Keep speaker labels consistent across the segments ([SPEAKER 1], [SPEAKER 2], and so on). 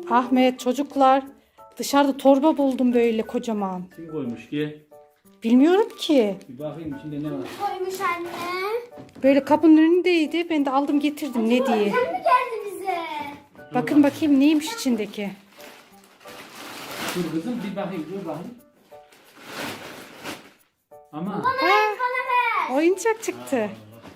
[SPEAKER 1] Ahmet, çocuklar, dışarıda torba buldum böyle kocaman.
[SPEAKER 2] Kim koymuş ki?
[SPEAKER 1] Bilmiyorum ki.
[SPEAKER 2] Bir bakayım içinde ne var.
[SPEAKER 3] Koymuş anne.
[SPEAKER 1] Böyle kapının önündeydi. Ben de aldım getirdim ne diye.
[SPEAKER 3] Sen mi geldi bize?
[SPEAKER 1] Bakın bakayım neymiş içindeki.
[SPEAKER 2] Dur kızım bir bakayım dur bakayım. Ama
[SPEAKER 3] Bana ver.
[SPEAKER 1] Oyuncak çıktı.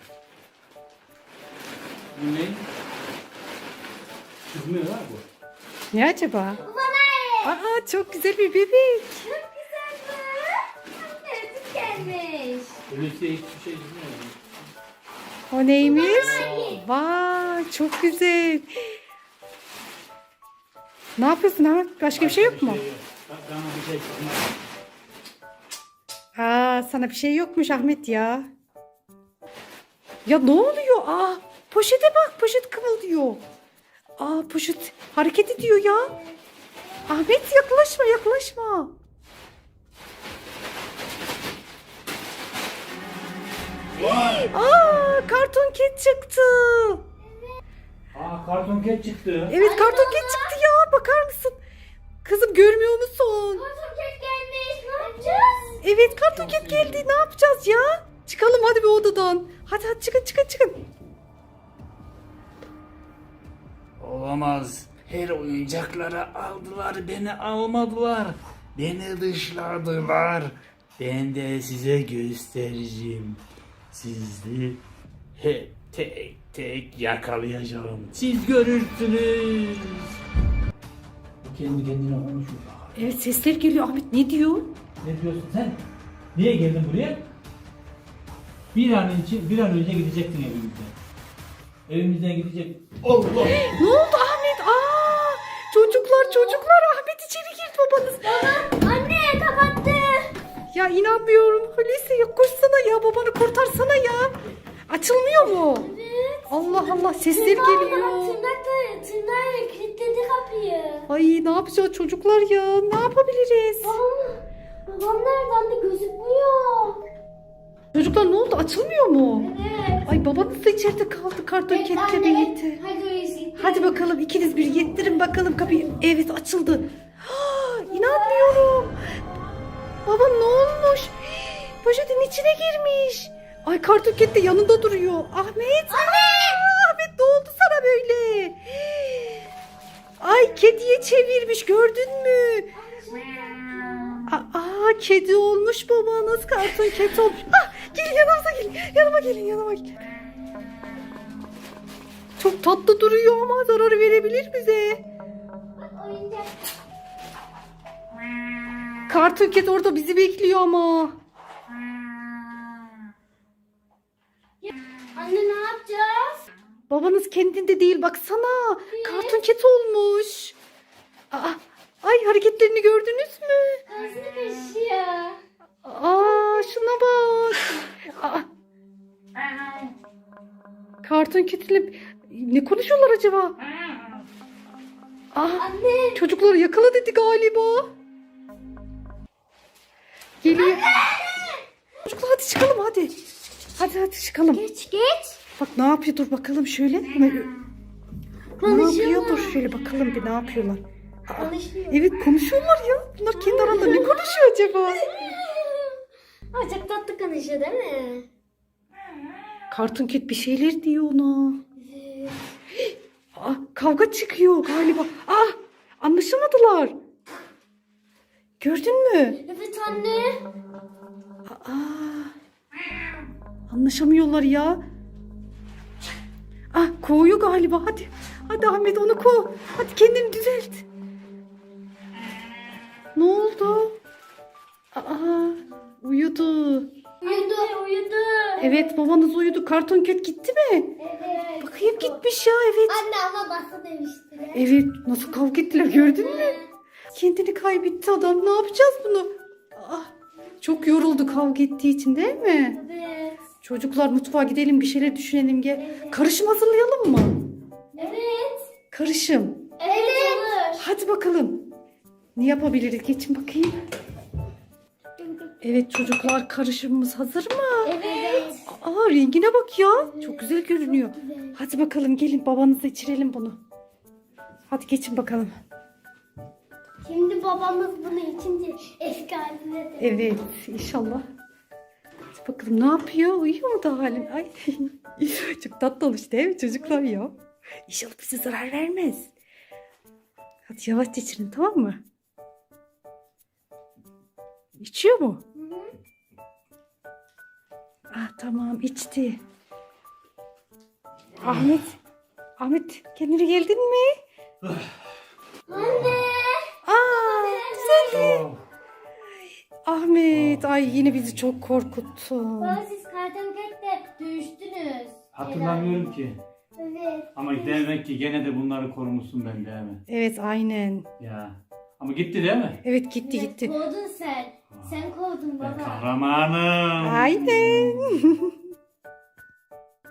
[SPEAKER 2] bu ne? Çıkmıyor ha bu.
[SPEAKER 1] Ne acaba?
[SPEAKER 3] Bana ver.
[SPEAKER 1] Aa, çok güzel bir bebek.
[SPEAKER 3] Çok güzel bu. Anne süt gelmiş.
[SPEAKER 2] Öyleyse hiçbir şey çıkmıyor.
[SPEAKER 1] O neymiş? Vay, çok güzel. Ne yapıyorsun Ahmet? Başka bir şey yok mu?
[SPEAKER 2] Bak bana bir şey çıkmaz.
[SPEAKER 1] Aa, sana bir şey yokmuş Ahmet ya. Ya ne oluyor? Aa, poşete bak, poşet kımıldıyor. Aa, poşet hareket ediyor ya. Ahmet yaklaşma, yaklaşma. Aa, karton ket çıktı.
[SPEAKER 2] Aa karton ket çıktı.
[SPEAKER 1] Evet, karton ket çıktı ya. Bakar mısın? Kızım görmüyor musun?
[SPEAKER 3] Karton kek gelmiş. Ne yapacağız?
[SPEAKER 1] Evet, karton ket geldi. Ne yapacağız ya? Çıkalım hadi bir odadan. Hadi hadi çıkın çıkın çıkın.
[SPEAKER 2] Olamaz. Her oyuncakları aldılar, beni almadılar. Beni dışladılar. Ben de size göstereceğim. Sizi hep tek tek yakalayacağım. Siz görürsünüz. Kendi kendine konuşuyor.
[SPEAKER 1] Evet, sesler geliyor. Ahmet ne diyor?
[SPEAKER 2] Ne diyorsun sen? Niye geldin buraya? Bir an önce gidecektin evimizden. Evimizden gidecek. Allah!
[SPEAKER 1] Ne oldu Ahmet? Aa, çocuklar Ahmet içeri girdi babanız.
[SPEAKER 3] Anne kapattı.
[SPEAKER 1] Ya inanmıyorum. Hulusi ya koşsana ya, babanı kurtarsana ya. Açılmıyor mu?
[SPEAKER 3] Evet.
[SPEAKER 1] Allah Allah, sesler geliyor.
[SPEAKER 3] Tırnakla kilitledi kapıyı.
[SPEAKER 1] Ay ne yapacağız çocuklar ya? Ne yapabiliriz?
[SPEAKER 3] Babam nereden de gözükmüyor.
[SPEAKER 1] Çocuklar ne oldu? Açılmıyor mu?
[SPEAKER 3] Evet.
[SPEAKER 1] Ay babanız da içeride kaldı karton ketle birlikte.
[SPEAKER 3] Hadi Hulusi.
[SPEAKER 1] Hadi bakalım ikiniz bir yettirin bakalım kapıyı. Evet, açıldı. Ha, inanmıyorum. Baba ne olmuş? Poşetin içine girmiş. Ay karton ket de yanında duruyor. Ahmet. Ahmet ne oldu sana böyle? Ay kediye çevirmiş, gördün mü? Aa, kedi olmuş babanız, karton ket olmuş. Ah, gelin yanımıza gelin. Yanıma gelin. Çok tatlı duruyor ama zarar verebilir bize.
[SPEAKER 3] Oyuncak.
[SPEAKER 1] Karton ket orada bizi bekliyor ama.
[SPEAKER 3] Anne ne yapacağız?
[SPEAKER 1] Babanız kendinde değil, baksana. Karton ket olmuş. Aa, ay hareketlerini gördünüz mü?
[SPEAKER 3] Ağzını kaşıyor.
[SPEAKER 1] Aa, şuna bak. Aa, karton ketle ne konuşuyorlar acaba? Aa,
[SPEAKER 3] Anne.
[SPEAKER 1] çocukları yakala dedi galiba. Geliyor. Çocuklar hadi çıkalım hadi. Hadi çıkalım.
[SPEAKER 3] Geç.
[SPEAKER 1] Bak ne yapıyor, dur bakalım şöyle. Ne yapıyor? Dur şöyle bakalım bir ne yapıyorlar.
[SPEAKER 3] Konuşuyor.
[SPEAKER 1] Evet konuşuyorlar ya. Bunlar kendi aralarında ne konuşuyor acaba?
[SPEAKER 3] Ama çok tatlı konuşuyor değil mi?
[SPEAKER 1] Karton ket bir şeyler diyor ona.
[SPEAKER 3] Evet.
[SPEAKER 1] Aa, kavga çıkıyor galiba. Ah, anlaşamadılar. Gördün mü?
[SPEAKER 3] Evet anne.
[SPEAKER 1] Aa, anlaşamıyorlar ya. Ah, kovuyor galiba. Hadi Ahmet onu kov. Hadi kendini düzelt. Ne oldu? Aa, uyudu.
[SPEAKER 3] Uyudu.
[SPEAKER 1] Evet, babanız uyudu. Karton ket gitti mi?
[SPEAKER 3] Evet.
[SPEAKER 1] Bakayım gitmiş ya, evet.
[SPEAKER 3] Anne ama bastı demişti.
[SPEAKER 1] Evet, nasıl kavga ettiler gördün mü? Kendini kaybetti adam. Ne yapacağız bunu? Ah, çok yoruldu kavga ettiği için değil mi?
[SPEAKER 3] Evet.
[SPEAKER 1] Çocuklar mutfağa gidelim, bir şeyler düşünelim gel. Karışım hazırlayalım mı?
[SPEAKER 3] Evet.
[SPEAKER 1] Karışım.
[SPEAKER 3] Evet. Olur.
[SPEAKER 1] Hadi bakalım. Ne yapabiliriz? Geçin bakayım. Evet çocuklar, karışımımız hazır mı?
[SPEAKER 3] Evet.
[SPEAKER 1] Aa, rengine bak ya. Çok güzel görünüyor. Hadi bakalım gelin, babanıza içirelim bunu. Hadi geçin bakalım.
[SPEAKER 3] Şimdi babamız bunu içince eski haline de.
[SPEAKER 1] Evet inşallah. Hadi bakalım ne yapıyor? Uyuyor mu da halin? Ay çok tatlı olmuş değil mi çocuklar ya? İnşallah bize zarar vermez. Hadi yavaşça içirin tamam mı? İçiyor mu? Ah tamam içti. Ahmet kendine geldin mi?
[SPEAKER 3] Anne.
[SPEAKER 1] Aa güzel.
[SPEAKER 2] Oh.
[SPEAKER 1] Ahmet ay yine bizi çok korkuttun.
[SPEAKER 3] Baba siz kartonketle dövüştünüz.
[SPEAKER 2] Hatırlamıyorum ki.
[SPEAKER 3] Evet.
[SPEAKER 2] Ama demek ki gene de bunları korumuşsun ben değil mi?
[SPEAKER 1] Evet aynen.
[SPEAKER 2] Ya. Ama gitti değil mi?
[SPEAKER 1] Evet gitti
[SPEAKER 3] Evet,
[SPEAKER 1] gitti.
[SPEAKER 3] kovdun sen. Sen kovdun
[SPEAKER 2] Ben
[SPEAKER 3] baba.
[SPEAKER 2] kahramanım.
[SPEAKER 1] Aynen.